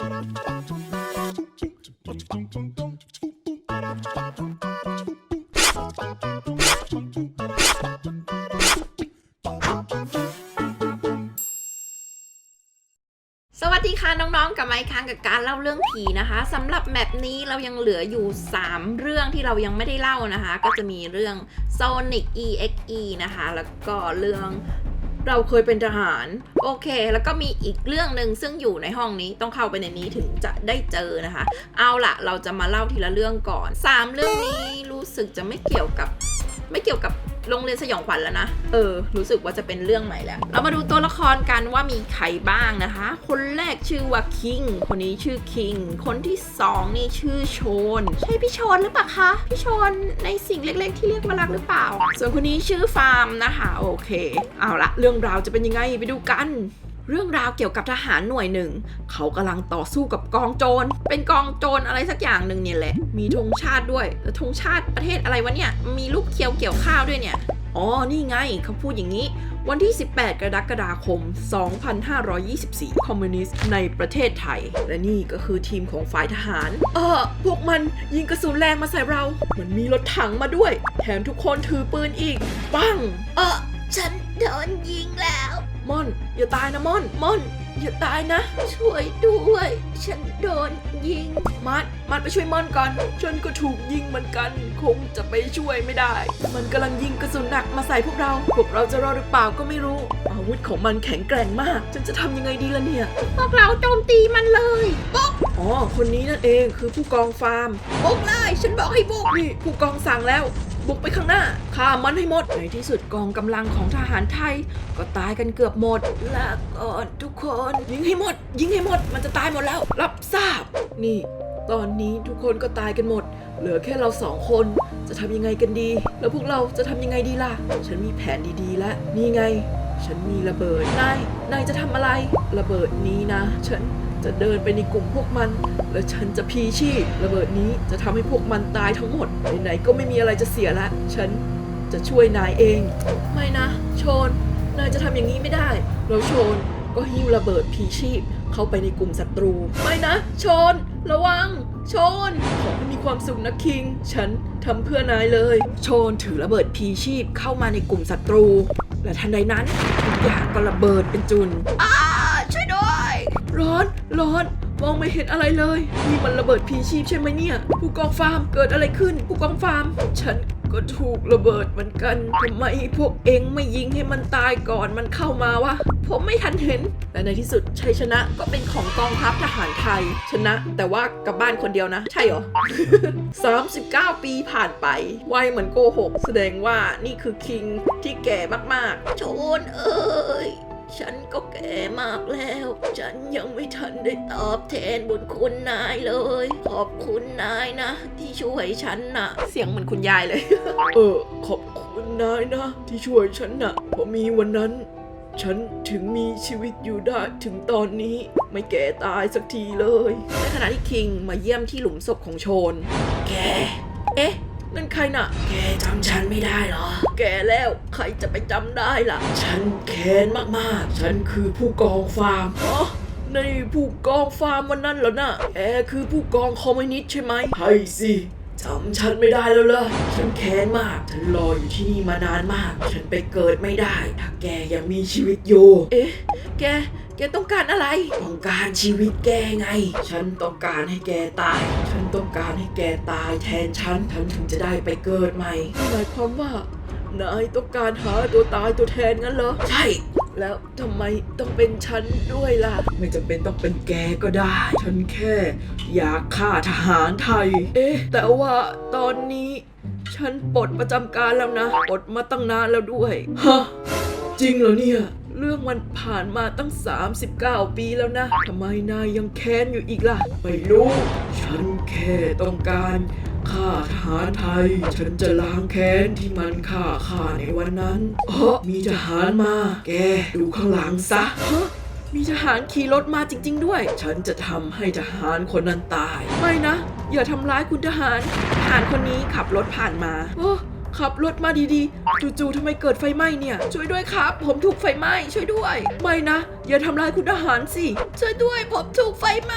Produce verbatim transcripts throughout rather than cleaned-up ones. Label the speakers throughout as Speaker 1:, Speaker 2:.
Speaker 1: สวัสดีค่ะน้องๆกับไมค์ค้างกับการเล่าเรื่องผีนะคะสำหรับแมปนี้เรายังเหลืออยู่สามเรื่องที่เรายังไม่ได้เล่านะคะก็จะมีเรื่อง Sonic อี เอ็กซ์ อี นะคะแล้วก็เรื่องเราเคยเป็นทหารโอเคแล้วก็มีอีกเรื่องหนึ่งซึ่งอยู่ในห้องนี้ต้องเข้าไปในนี้ถึงจะได้เจอนะคะเอาล่ะเราจะมาเล่าทีละเรื่องก่อนสามเรื่องนี้รู้สึกจะไม่เกี่ยวกับไม่เกี่ยวกับโรงเรียนสยองขวัญแล้วนะเออรู้สึกว่าจะเป็นเรื่องใหม่แล้วเรามาดูตัวละครกันว่ามีใครบ้างนะคะคนแรกชื่อว่าคิงคนนี้ชื่อคิงคนที่สองนี่ชื่อโชนใช่พี่โชนหรือเปล่าคะพี่โชนในสิ่งเล็กๆที่เรียกว่ารักหรือเปล่าส่วนคนนี้ชื่อฟาร์มนะคะโอเคเอาละเรื่องราวจะเป็นยังไงไปดูกันเรื่องราวเกี่ยวกับทหารหน่วยหนึ่งเขากำลังต่อสู้กับกองโจรเป็นกองโจรอะไรสักอย่างหนึ่งเนี่ยแหละมีธงชาติด้วยแต่ธงชาติประเทศอะไรวะเนี่ยมีลูกเขียวเกี่ยวข้าวด้วยเนี่ยอ๋อนี่ไงเขาพูดอย่างนี้วันที่สิบแปดกรกฎาคมสองพันห้าร้อยยี่สิบสี่คอมมิวนิสต์ในประเทศไทยและนี่ก็คือทีมของฝ่ายทหารเออพวกมันยิงกระสุนแรงมาใส่เราเหมือนมีรถถังมาด้วยแถมทุกคนถือปืนอีกปังเออฉันโดนยิงแล้วม่อนอย่าตายนะม่อนม่อนอย่าตายนะช่วยด้วยฉันโดนยิงมัดมัดไปช่วยม่อนก่อนฉันก็ถูกยิงเหมือนกันคงจะไปช่วยไม่ได้มันกำลังยิงกระสุนหนักมาใส่พวกเราพวกเราจะรอดหรือเปล่าก็ไม่รู้อาวุธของมันแข็งแกร่งมากฉันจะทำยังไงดีล่ะเนี่ยพวกเราโจมตีมันเลยปุ๊บอ๋อคนนี้นั่นเองคือผู้กองฟาร์มบุกเลยฉันบอกให้บุกนี่ผู้กองสั่งแล้วบุกไปข้างหน้าฆ่ามันให้หมดในที่สุดกองกำลังของทหารไทยก็ตายกันเกือบหมดลาก่อนทุกคนยิงให้หมดยิงให้หมดมันจะตายหมดแล้วรับทราบนี่ตอนนี้ทุกคนก็ตายกันหมดเหลือแค่เราสองคนจะทำยังไงกันดีแล้วพวกเราจะทำยังไงดีล่ะฉันมีแผนดีๆแล้วนี่ไงฉันมีระเบิดนายนายจะทำอะไรระเบิดนี้นะฉันจะเดินไปในกลุ่มพวกมันและฉันจะพีชีพระเบิดนี้จะทำให้พวกมันตายทั้งหมดไหนๆก็ไม่มีอะไรจะเสียละฉันจะช่วยนายเองไม่นะโชนนายจะทำอย่างนี้ไม่ได้แล้วโชนก็หิ้วระเบิดพีชีพเข้าไปในกลุ่มศัตรูไม่นะโชนระวังโชนขอให้มีความสุขนะคิงฉันทำเพื่อนายเลยโชนถือระเบิดพีชีพเข้ามาในกลุ่มศัตรูและทันใดนั้นทุกอย่างก็ระเบิดเป็นจุนอ้าช่วยด้วยร้อนร้อนมองไม่เห็นอะไรเลยนี่มันระเบิดพีชีพใช่ไหมเนี่ยผู้กองฟาร์มเกิดอะไรขึ้นผู้กองฟาร์มฉันก็ถูกระเบิดเหมือนกันทำไมพวกเองไม่ยิงให้มันตายก่อนมันเข้ามาวะผมไม่ทันเห็นและในที่สุดชัยชนะก็เป็นของกองทัพทหารไทยชนะแต่ว่ากลับบ้านคนเดียวนะใช่เหรอ สามสิบเก้า ปีผ่านไปไวเหมือนโกหกแสดงว่านี่คือคิงที่แก่มากๆโชนเอ้ยฉันก็แก่มากแล้วฉันยังไม่ทันได้ตอบแทนบุญคุณนายเลยขอบคุณนายนะที่ช่วยฉันนะเสียงเหมือนคุณยายเลย เออขอบคุณนายนะที่ช่วยฉันนะเพราะมีวันนั้นฉันถึงมีชีวิตอยู่ได้ถึงตอนนี้ไม่แก่ตายสักทีเลยในขณะที่คิงมาเยี่ยมที่หลุมศพของโชนแกเอ๊ะนั่นใครน่ะแกจำฉันไม่ได้เหรอแกแล้วใครจะไปจำได้ล่ะฉันแค้นมากๆฉันคือผู้กองฟาร์มอ๋อในผู้กองฟาร์มวันนั้นเหรอน่ะแกคือผู้กองคอมมิวนิสต์ใช่ไหมใช่สิจำฉันไม่ได้แล้วเหรอฉันแค้นมากฉันรออยู่ที่นี่มานานมากฉันไปเกิดไม่ได้ถ้าแกยังมีชีวิตอยู่เอ๊ะแกแกต้องการอะไรต้องการชีวิตแกไงฉันต้องการให้แกตายฉันต้องการให้แกตายแทนฉันฉันถึงจะได้ไปเกิดใหม่หมายความว่านายต้องการหาตัวตายตัวแทนงั้นเหรอใช่แล้วทำไมต้องเป็นฉันด้วยล่ะไม่จำเป็นต้องเป็นแกก็ได้ฉันแค่อยากฆ่าทหารไทยเอ๊ะแต่ว่าตอนนี้ฉันปลดประจำการแล้วนะปลดมาตั้งนานแล้วด้วยฮะจริงเหรอเนี่ยเรื่องมันผ่านมาตั้งสามสิบเก้าปีแล้วนะทำไมนายยังแค้นอยู่อีกล่ะไม่รู้ฉันแค่ต้องการฆ่าทหารไทยฉันจะล้างแค้นที่มันฆ่าข้าในวันนั้นเฮ้อมีทหารมาแกดูข้างหลังซะฮะมีทหารขี่รถมาจริงๆด้วยฉันจะทำให้ทหารคนนั้นตายไม่นะอย่าทำร้ายคุณทหารทหารคนนี้ขับรถผ่านมาโอ้ขับรถมาดีๆจู่ๆทำไมเกิดไฟไหม้เนี่ยช่วยด้วยครับผมถูกไฟไหม้ช่วยด้วยไม่นะอย่าทำร้ายคุณทหารสิช่วยด้วยผมถูกไฟไหม้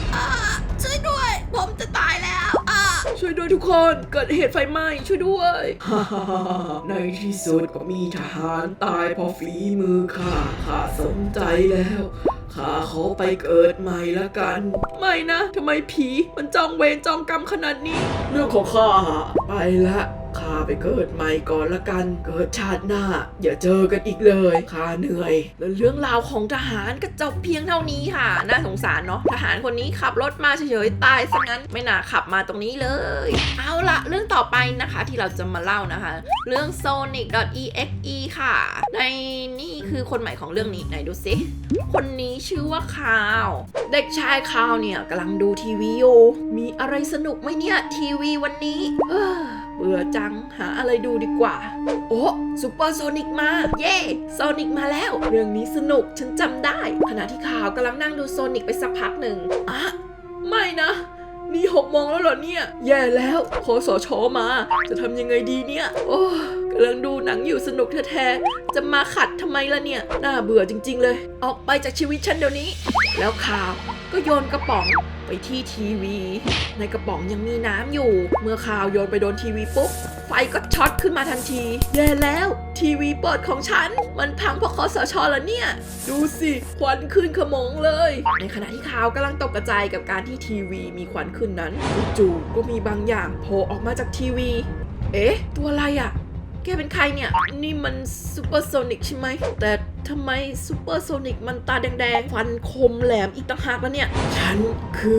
Speaker 1: อ่าช่วยด้วยผมจะตายแล้วอ่า
Speaker 2: ช่วยด้วยทุกคนเกิดเหตุไฟไหม้ช่วยด้วย ในที่สุดก็มีทหารตายเพราะฝีมือข้าข้าสนใจแล้วข้าขอไปเกิดใหม่ละกัน ไม่นะทำไมผีมันจองเวรจองกรรมขนาดนี้ เรื่องของข้าไปละข้าไปเกิดใหม่ก่อนละกันเกิดชาติหน้าอย่าเจอกันอีกเลยข้าเหนื่อย
Speaker 1: แล้วเรื่องราวของทหารก็จบเพียงเท่านี้ค่ะน่าสงสารเนาะทหารคนนี้ขับรถมาเฉยๆตายซะงั้นไม่น่าขับมาตรงนี้เลยเอาละเรื่องต่อไปนะคะที่เราจะมาเล่านะคะเรื่อง Sonic.exe ค่ะในนี่คือคนใหม่ของเรื่องนี้ไหนดูสิคนนี้ชื่อว่าคาวเด็กชายคาวเนี่ยกำลังดูทีวีอยู่มีอะไรสนุกไหมเนี่ยทีวีวันนี้เออเบื่อจังหาอะไรดูดีกว่าโอ้ซูเปอร์โซนิกมาเย่โซนิกมาแล้วเรื่องนี้สนุกฉันจำได้ขณะที่ข่าวกำลังนั่งดูโซนิกไปสักพักหนึ่งอ่ะไม่นะนี่หกโมงแล้วเหรอเนี่ยแย่แล้วคสชมาจะทำยังไงดีเนี่ยโอ้กำลังดูหนังอยู่สนุกแท้ๆจะมาขัดทำไมล่ะเนี่ยน่าเบื่อจริงๆเลยออกไปจากชีวิตฉันเดี๋ยวนี้แล้วข่าวก็โยนกระป๋องไปที่ทีวีในกระป๋องยังมีน้ำอยู่เมื่อข่าวโยนไปโดนทีวีปุ๊บไฟก็ช็อตขึ้นมาทันทีแย่แล้วทีวีเปิดของฉันมันพังเพราะคสชแล้วเนี่ยดูสิควันขึ้นขโมงเลยในขณะที่ข่าวกำลังตกกระจายกับการที่ทีวีมีควันขึ้นนั้นจู่ๆก็มีบางอย่างโผล่ออกมาจากทีวีเอ๊ะตัวอะไรอ่ะแกเป็นใครเนี่ยนี่มันซูเปอร์โซนิกใช่ไหมแต่ทำไมซูเปอร์โซนิกมันตาแดงๆฟันคมแหลมอีกต่างหากแล้วเนี่ย
Speaker 2: ฉันคือ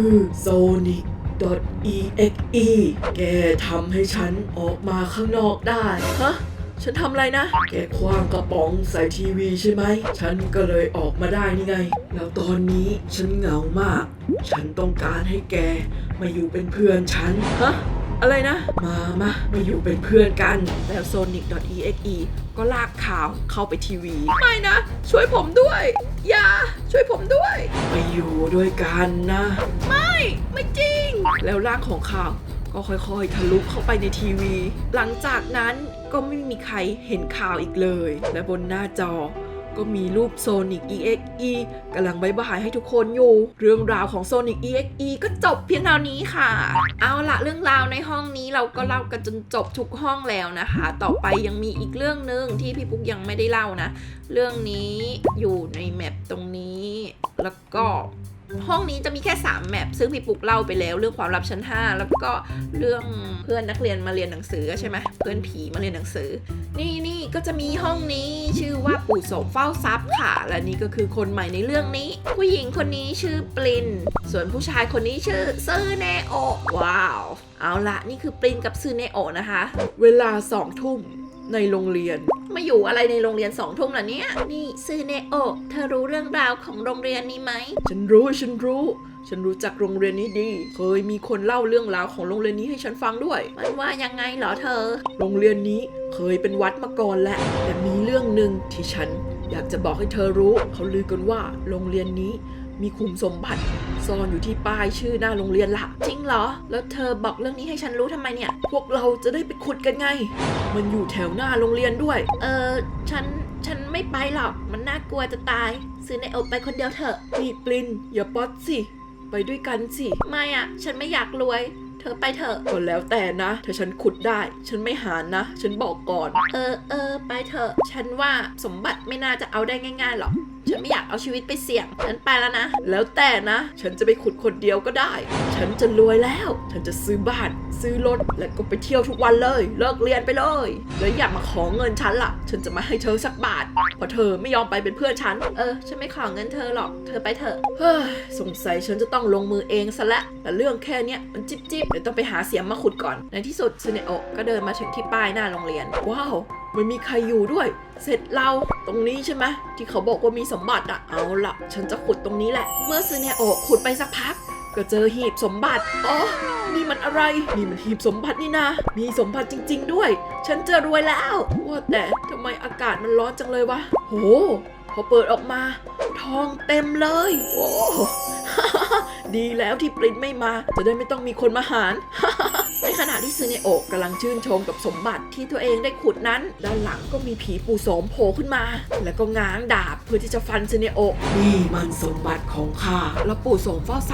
Speaker 2: Sonic.exe แกทำให้ฉันออกมาข้างนอกได้
Speaker 1: ฮะฉันทำอะไรนะ
Speaker 2: แกคว้างกระป๋องใส่ทีวีใช่ไหมฉันก็เลยออกมาได้นี่ไงแล้วตอนนี้ฉันเหงามากฉันต้องการให้แกมาอยู่เป็นเพื่อนฉัน
Speaker 1: ฮะอะไรนะ
Speaker 2: มามามาอยู่เป็นเพื่อนกัน
Speaker 1: แล้ว Sonic.exe ก็ลากข่าวเข้าไปทีวีไม่นะช่วยผมด้วยอย่าช่วยผมด้วย
Speaker 2: มาอยู่ด้วยกันนะ
Speaker 1: ไม่ไม่จริงแล้วร่างของข่าวก็ค่อยๆทะลุเข้าไปในทีวีหลังจากนั้นก็ไม่มีใครเห็นข่าวอีกเลยและบนหน้าจอก็มีรูป Sonic.exe กำลังบ๊ายบายให้ทุกคนอยู่เรื่องราวของ Sonic.exe ก็จบเพียงเท่านี้ค่ะเอาละเรื่องราวในห้องนี้เราก็เล่ากันจนจบทุกห้องแล้วนะคะต่อไปยังมีอีกเรื่องนึงที่พี่ปุ๊กยังไม่ได้เล่านะเรื่องนี้อยู่ในแมปตรงนี้แล้วก็ห้องนี้จะมีแค่สามแมปซึ่งพี่ปุ๊กเล่าไปแล้วเรื่องความลับชั้นห้าแล้วก็เรื่องเพื่อนนักเรียนมาเรียนหนังสือใช่ไหมเพื่อนผีมาเรียนหนังสือนี่นี่ก็จะมีห้องนี้ชื่อว่าปู่โสมเฝ้าทรัพย์ค่ะและนี่ก็คือคนใหม่ในเรื่องนี้ผู้หญิงคนนี้ชื่อปลินส่วนผู้ชายคนนี้ชื่อซือเนโอว้าวเอาละนี่คือปลินกับซือเนโอนะคะ
Speaker 2: เวลาสองทุ่มในโรงเรียน
Speaker 1: มาอยู่อะไรในโรงเรียนสองทุ่มล่ะเนี่ยนี่ซือเนโอเธอรู้เรื่องราวของโรงเรียนนี้ไหม
Speaker 2: ฉันรู้ฉันรู้ฉันรู้จักโรงเรียนนี้ดีเคยมีคนเล่าเรื่องราวของโรงเรียนนี้ให้ฉันฟังด้วย
Speaker 1: มันว่ายังไงเหรอเธอ
Speaker 2: โรงเรียนนี้เคยเป็นวัดมาก่อนแหละแต่มีเรื่องหนึ่งที่ฉันอยากจะบอกให้เธอรู้เขาลือกันว่าโรงเรียนนี้มีขุมสมบัติซ่อนอยู่ที่ป้ายชื่อหน้าโรงเรียนละ
Speaker 1: จริงเหรอแล้วเธอบอกเรื่องนี้ให้ฉันรู้ทำไมเนี่ย
Speaker 2: พวกเราจะได้ไปขุดกันไงมันอยู่แถวหน้าโรงเรียนด้วย
Speaker 1: เออฉันฉันไม่ไปหรอกมันน่ากลัวจะตายซื้อในอกไปคนเดียวเถอะ
Speaker 2: นี่ปลินอย่าป๊อดสิไปด้วยกันสิ
Speaker 1: ไม่อ่ะฉันไม่อยากรวยเธอไปเถอะ
Speaker 2: ก็แล้วแต่นะถ้าฉันขุดได้ฉันไม่หานะฉันบอกก่อน
Speaker 1: เออเออไปเถอะฉันว่าสมบัติไม่น่าจะเอาได้ง่ายๆหรอกฉันไม่อยากเอาชีวิตไปเสี่ยงฉันไปแล้วนะ
Speaker 2: แล้วแต่นะฉันจะไปขุดคนเดียวก็ได้ฉันจะรวยแล้วฉันจะซื้อบ้านซื้อรถและก็ไปเที่ยวทุกวันเลยเลิกเรียนไปเลยแล้วอย่ามาขอเงินฉันล่ะฉันจะไม่ให้เธอสักบาทเพราะเธอไม่ยอมไปเป็นเพื่อนฉัน
Speaker 1: เออฉันไม่ขอเงินเธอหรอกเธอไปเถอะ
Speaker 2: เฮ้ยสงสัยฉันจะต้องลงมือเองซะและแต่เรื่องแค่เนี้ยมันจิ๊บจิ๊บเดี๋ยวต้องไปหาเสียมมาขุดก่อน
Speaker 1: ในที่สุดซูเนโอะก็เดินมาถึงที่ป้ายหน้าโรงเรียน
Speaker 2: ว้าวไม่มีใครอยู่ด้วยเสร็จเราตรงนี้ใช่ไหมที่เขาบอกว่ามีสมบัติอะเอาล่ะฉันจะขุดตรงนี้แหละ
Speaker 1: เมื่อซูเนโอะขุดไปสักพัก
Speaker 2: ก็เจอหีบสมบัติอ๋อนี่มันอะไรนี่มันหีบสมบัตินี่นะมีสมบัติจริงๆด้วยฉันจะรวยแล้วว่าแต่ทำไมอากาศมันร้อนจังเลยวะโหพอเปิดออกมาทองเต็มเลยโอ้ ดีแล้วที่ปริ้นไม่มาจะได้ไม่ต้องมีคนมาหาร
Speaker 1: ในขณะที่ซูเนโอะกำลังชื่นชมกับสมบัติที่ตัวเองได้ขุดนั้นด้านหลังก็มีผีปู่โสมโผล่ขึ้นมาแล้วก็ง้างดาบเพื่อที่จะฟันซูเนโอะ
Speaker 2: นี่มันสมบัติของข้า
Speaker 1: แล้วปู่โสมเฝ้าทรัพย์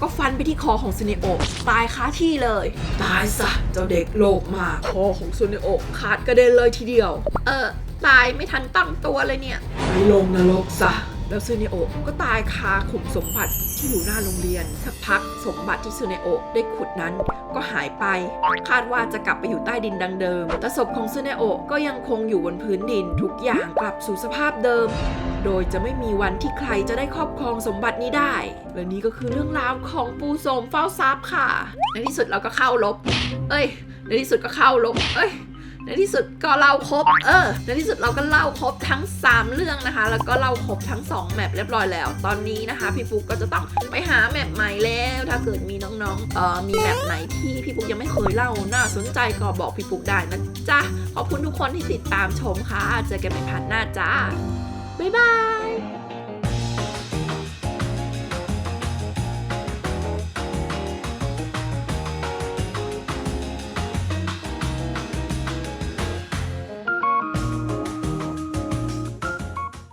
Speaker 1: ก็ฟันไปที่คอของซูเนโอะตายคาที่เลย
Speaker 2: ตายซะเจ้าเด็กโลภมากคอของซูเนโอะขาดกระเด็นเลยทีเดียว
Speaker 1: เออตายไม่ทันตั้งตัวเลยเนี่ย
Speaker 2: ไปลงนรกซะแล้วซูเนโอะก็ตายคาขุมสมบัติที่อยู่หน้าโรงเรียนสักพักสมบัติที่ซูเนโอะได้ขุดนั้นก็หายไปคาดว่าจะกลับไปอยู่ใต้ดินดังเดิมแต่ศพของซูเนโอะก็ยังคงอยู่บนพื้นดินทุกอย่างกลับสู่สภาพเดิมโดยจะไม่มีวันที่ใครจะได้ครอบครองสมบัตินี้ได้และนี่ก็คือเรื่องราวของปูโสมเฝ้าทรัพย์ค่ะในที่สุดเราก็เข้าลบเอ้ยในที่สุดก็เข้าลบเอ้ยในที่สุดก็เล่าครบเออในที่สุดเราก็เล่าครบทั้งสามเรื่องนะคะแล้วก็เล่าครบทั้งสองแมปเรียบร้อยแล้วตอนนี้นะคะพี่ฟุกก็จะต้องไปหาแมปใหม่แล้วถ้าเกิดมีน้องๆเอ่อมีแมปไหนที่พี่ฟุกยังไม่เคยเล่าน่าสนใจก็บอกพี่ฟุกได้นะจ๊ะขอบคุณทุกคนที่ติดตามชมค่ะเจอกันใหม่พาร์ทหน้าจ้าบ๊ายบาย